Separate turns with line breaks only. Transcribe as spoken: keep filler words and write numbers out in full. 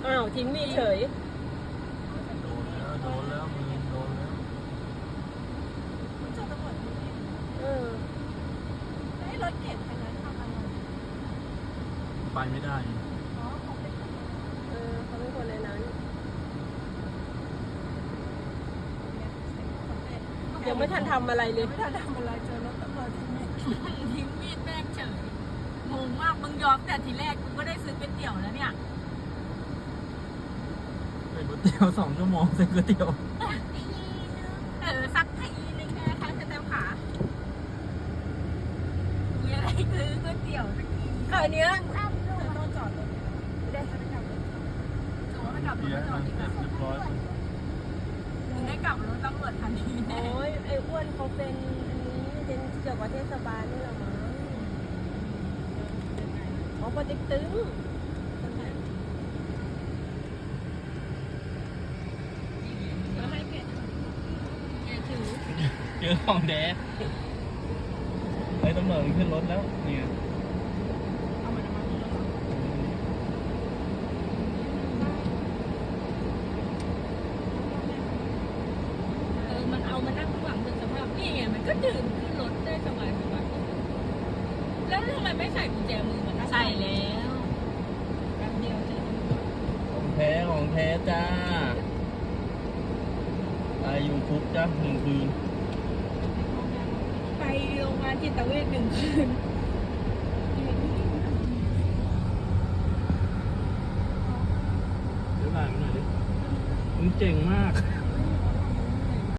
อ้าวทิ้งมีดเฉย
โดนแล้วโดนแล้วมือโดนแล้ว
ไม่เจอตำรวจนี่
เออ
ไอ้รถเก๋งคันนั้นทำอะไร
ไปไม่ได้
อ๋อเขาเป็นคน
เออเขาเป็นคนในนั้นยังไม่ทันทำอะไรเลย
ไม่ทันทำอะไรเจอรถตำรวจที่นี่
ทิ้งมีดแม่งเฉยงงมากมึงยอมแต่ทีแรกกูก็ได้ซื้อก๋วยเตี๋ยวแล้วเนี่ย
ไปก๋วยเตี๋ยวสองชั่วโมงเสร็จก๋วยเตี๋ยว
เออสักทีนึงแค่ครั้งจะเต็มขากูจะได้ซื้อก๋วยเตี๋ยวสักที
คราวเนี้ย
เธอต้องจอดรถไม่ได้จะไปกลับรถ
ถือว่ามันกลับรถ
เบียร์
ตำรว
มั
จ
น
ดี
เส
ก
ร็จ
ว่า
เรียบร้อย
มึงได้กลับรถตำรวจทันทีแน่
โอ้ยไอ้อ้วนเขาเป็นอันนี้เป็นเกี่ยวกับเทศบาลนี่แหละมั้งอ๋อปอเต็กตึง
ก็ให้เพจอย่าถือ
เจอของแดดไอ้ตำรวจมันขึ้นรถแล้วเนี่ย
เอามันมาที่รถ
เออมันเอามานั่งข้างหลังเป็นสภาพนี่ไงมันก็ดื่มขึ้นรถได้สบายสบายแล้วทำไมไม่ใส่กุญแจมือมันใส่แล้วแป๊บเดียวเจอตำรวจ
ของแท้ของแท้จ้าตายอยู่คุกจ้าหนึ่งคืน
ไปโรงพยาบาลจิตเวชหนึ่งคืน
เดี๋ยวถ่ายมันหน่อยดิมึงเจ๋งมาก